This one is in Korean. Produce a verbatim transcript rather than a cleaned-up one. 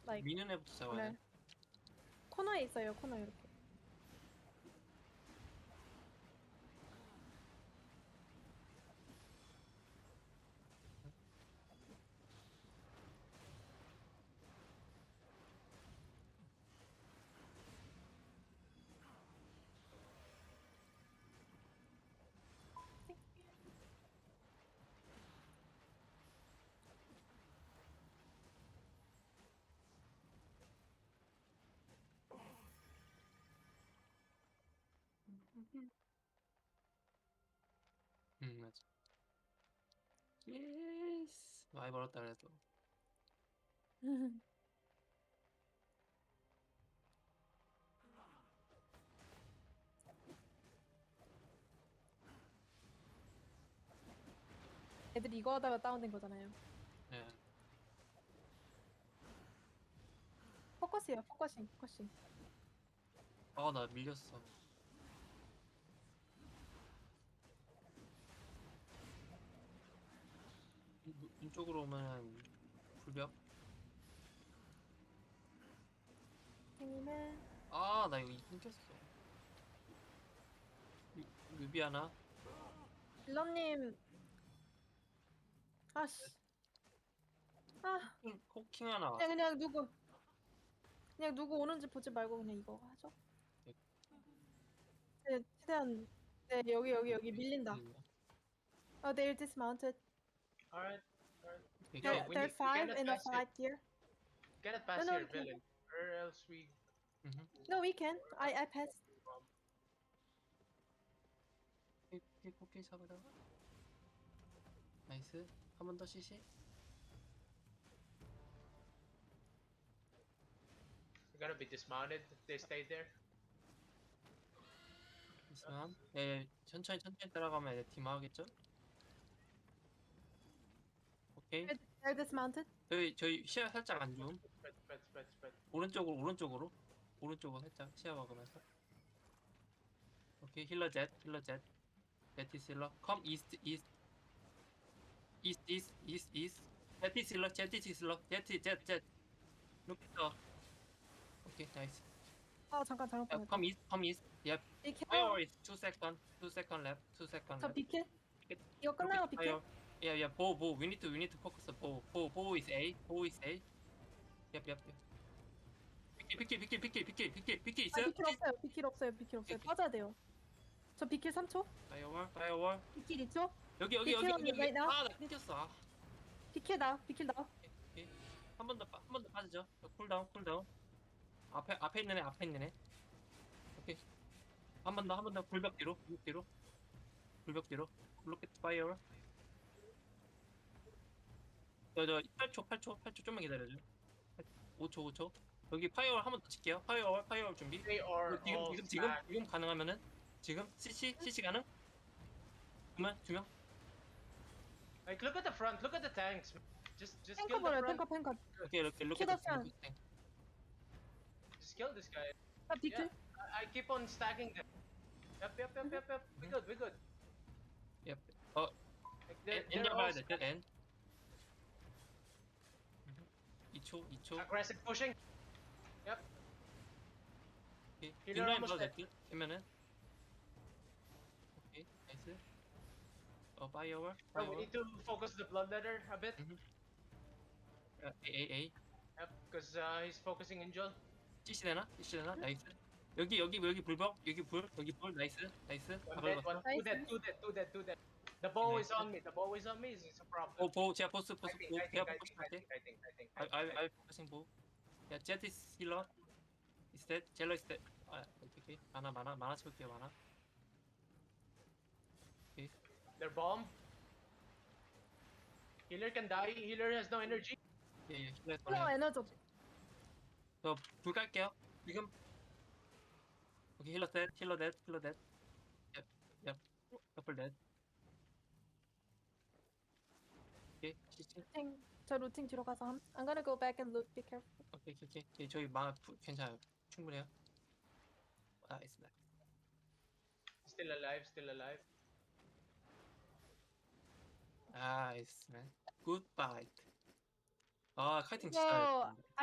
like 미는 애부터 잡아야 네. 돼. 코너에 있어요. 코너 이렇게. 응 맞아. 예스. 많이 벌었다 그래도. 애들이 이거 하다가 다운된 거잖아요. 예. 포커스요. 포커싱. 포커싱. 아 나 밀렸어. 이- 이쪽으로 오면 불벽. 생님은 아 나 이거 끊겼어. 유- 유비 하나. 빌런님. 아씨. 아 코킹, 코킹 하나 그냥 왔어. 그냥 누구 그냥 누구 오는지 보지 말고 그냥 이거 하죠. 예. 네, 최대한 네 여기 여기 여기 밀린다. Oh, they're dismounted. Alright, alright. 오케이, No, There, 오케이. we there are need we five cannot in a pass it. fight here. Cannot No, pass no, here, we can. villain. Or else we 음흠. No, we can. I I passed. 코끼, 코끼, 코끼 잡으다가. 나이스. 한 번 더 시시. we're gonna be dismounted if they stay there. 있으면 네, 천천히 천천히 따라가면 이제 팀 하겠죠? 오케이. They're, they're dismounted. 저희 저희 시야 살짝 안 줌. Spread, spread, spread, spread. 오른쪽으로 오른쪽으로 오른쪽으로 살짝 시야 막으면서. 오케이 힐러 젯 힐러 젯. 제티스 힐러. 컴 이스트 이스트 이스트 이스트 이스트 이스트. 제티스 힐러 제티스 힐러 제티 젯젯. 룩더. 오케이 나이스. 아 잠깐 잘못 컴 보냈다. 이스트 컴 이스트. 예. 비켜. Fire is two second, two second left, two second 저 left. 비킬. 이거 끝나고 비킬. Yeah, yeah. Bow, bow. We need to, we need to focus the bow. Bow, bow is A. Bow is A. Yep, yep, yep. 비킬, 비킬, 비킬, 비킬, 비킬, 비킬, 비킬 아 있어요? 비킬 없어요. 비킬 없어요. 비킬 없어요. 비킬. 빠져야 돼요. 저 비킬 삼 초. 파이어월, 파이어월. 비킬 이 초. 여기, 여기, 여기, 비킬 여기, 여기. right now? 아, 나 끊겼어. 아, 비킬 나. 비킬 나. 오케이. 한 번 더, 한 번 더 빠지죠. 쿨다운, 쿨다운. 앞에, 앞에 있는 애, 앞에 있는 애. 오케이. 한 번 더, 한 번 더. 불벽 뒤로, 불벽 뒤로. 불벽 뒤로. 로켓 파이어월. 저, 저, 팔 초, 팔 초, 팔 초 좀만 기다려줘. 오 초, 오 초. 여기 파이어월 한 번 더 칠게요. 파이어월, 파이어월 준비. They are 지금, all 지금, 지금, stacked. 지금 가능하면은, 지금, 씨씨, 씨씨 가능? 두명, 두 명? Like, look at the front. Look at the tanks. Just, just 탱커 kill the 버려. front. 탱커 탱커. 오케이, 이렇게, 이렇게. 키더스랑. Just kill this guy. 아 비킬. Yeah, I, I keep on stacking them. Yep, yep, yep, yep, yep. We good, we good. 예, 어, Like, they're, 엔, they're 엔 all 잡아야 돼, stacked. 엔. 이 초, 이 초. Aggressive pushing. Yep. 오케이. 힐러 뒷라인 almost 봐도 될 듯? 되면은. 오케이, 나이스. 어, 파이어월, Bro, we 파이어월. need to focus the bloodletter a bit. 음. 아, A, A, A. Yep, because uh, he's focusing in Joel. 씨씨 되나? 씨씨 되나? 나이스. 여기, 여기, 여기 불벽, 여기 불, 여기 불, 나이스, 나이스. 다 One dead, 밟았어. one, two dead, two dead, two dead, two dead. The bow is Nice. on me. The bow is on me. It's a problem. 오, 보, 제가 보스, I 보스, think, 보, I 제가 think, I 보스 think, I 할게. think, I think, I think, I, I I, think. I focusing 보. 야, 제티스 힐러. Is that? 젤러 is that? 아, 오케이, 오케이. 많아, 많아, 많아 채울게요, 많아. 오케이. They're bomb. Healer can die. Healer has no energy. 예, 예, 힐러 플라워 꺼내. 에너지. 저불 깔게요. 지금. 오케이, 힐러 댓, 힐러 댓, 힐러 댓. 얍, 얍. 커플 댓. 오케이, 시치. 루팅. 저 루팅 뒤로 가서 함. I'm gonna go back and loot. Be careful. 오케이, 오케이, 오케이. 오케이, 저희 마, 부- 괜찮아요. 충분해요. 아, 있습니다. Still alive. Still alive. 아, 있으면. 굿바이. 아, 카이팅 진짜 이거 잘했습니다.